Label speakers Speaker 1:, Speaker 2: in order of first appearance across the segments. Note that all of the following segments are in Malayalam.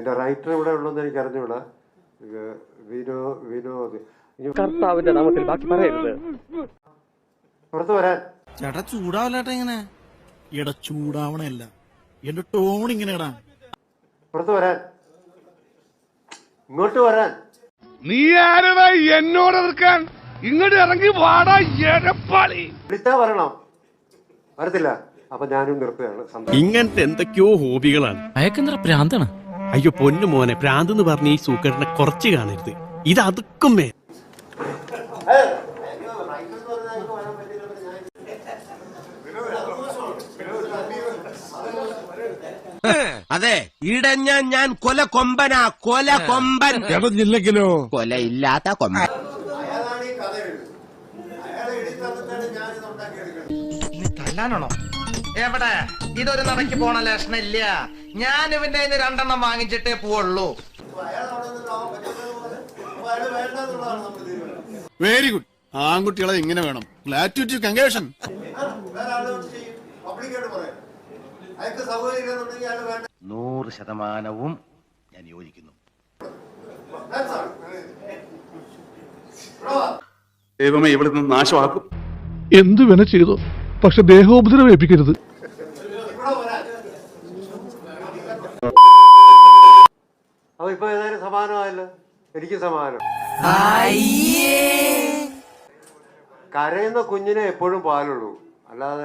Speaker 1: അതിന്റെ റൈറ്റർ ഇവിടെ ഉള്ളതെന്ന് എനിക്ക് അറിഞ്ഞൂടാ. വിനോദ്
Speaker 2: കർത്താവിന്റെ നാമത്തിൽ ബാക്കി പറയരുത്.
Speaker 1: പുറത്തു വരാൻ.
Speaker 3: ചേട്ടാ ചൂടാവല്ലേട്ടാ ഇങ്ങനെ. എടാ ചൂടാവണല്ല, എന്റെ ടോൺ ഇങ്ങനെ ഇടാ.
Speaker 1: പുറത്തു വരാൻ, ഇങ്ങോട്ട് വരാൻ.
Speaker 4: നീ ആരടാ എന്നോട് എതിർക്കാൻ? ഇങ്ങോട്ട് ഇറങ്ങി വാടാ എരപ്പാളി.
Speaker 1: വിളിച്ചാ വരണം, വരത്തില്ല. അപ്പൊ ഞാനും നിർത്തുകയാണ്.
Speaker 5: ഇങ്ങനത്തെ എന്തൊക്കെയോ ഹോബികളാണ്.
Speaker 6: അയക്കെന്താ പ്രാന്താണ്?
Speaker 5: അയ്യോ പൊന്നു മോനെ, പ്രാന്ത് എന്ന് പറഞ്ഞ ഈ സൂക്കറിനെ കുറച്ച് കാണരുത്. ഇത് അതുക്കും മേ.
Speaker 7: അതെ, ഇടഞ്ഞ ഞാൻ കൊല കൊമ്പനാ, കൊല കൊമ്പൻ.
Speaker 4: ഇടഞ്ഞില്ലെങ്കിലോ
Speaker 7: കൊലയില്ലാത്ത കൊമ്പൻ.
Speaker 8: തല്ലാനാണോ? എവിടെ? ഇതൊരു നടക്ക് പോണ ലക്ഷണില്ല. ഞാൻ ഇവന്റെ കയ്യിൽ 2 എണ്ണം വാങ്ങിച്ചിട്ടേ പോവുള്ളൂ.
Speaker 3: Very good. ആൺകുട്ടികളെ ഇങ്ങനെ വേണം. ഗ്ലാറ്റുവിറ്റി കൺഗ്രേഷൻ.
Speaker 7: 100% ഞാൻ യോജിക്കുന്നു.
Speaker 5: ദൈവമേ, ഇവിടെ നിന്ന് നാശമാക്കും.
Speaker 4: എന്തു വേണ ചെയ്തോ, പക്ഷെ ദേഹോപദ്രവേൽപ്പിക്കരുത്.
Speaker 1: അപ്പൊ ഇപ്പൊ ഏതായാലും സമാനമായല്ലോ. എനിക്ക് സമാനം. കരയുന്ന കുഞ്ഞിനെ എപ്പോഴും പാലുള്ളൂ, അല്ലാതെ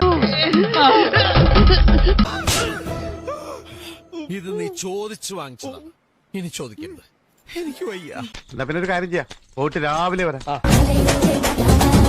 Speaker 3: ഇത് നീ ചോദിച്ചു വാങ്ങിച്ചതാ, ഇനി ചോദിക്കരുത്. എനിക്ക് വയ്യ.
Speaker 4: എന്നാ പിന്നെ ഒരു കാര്യം ചെയ്യാം, പോയിട്ട് രാവിലെ വരാം.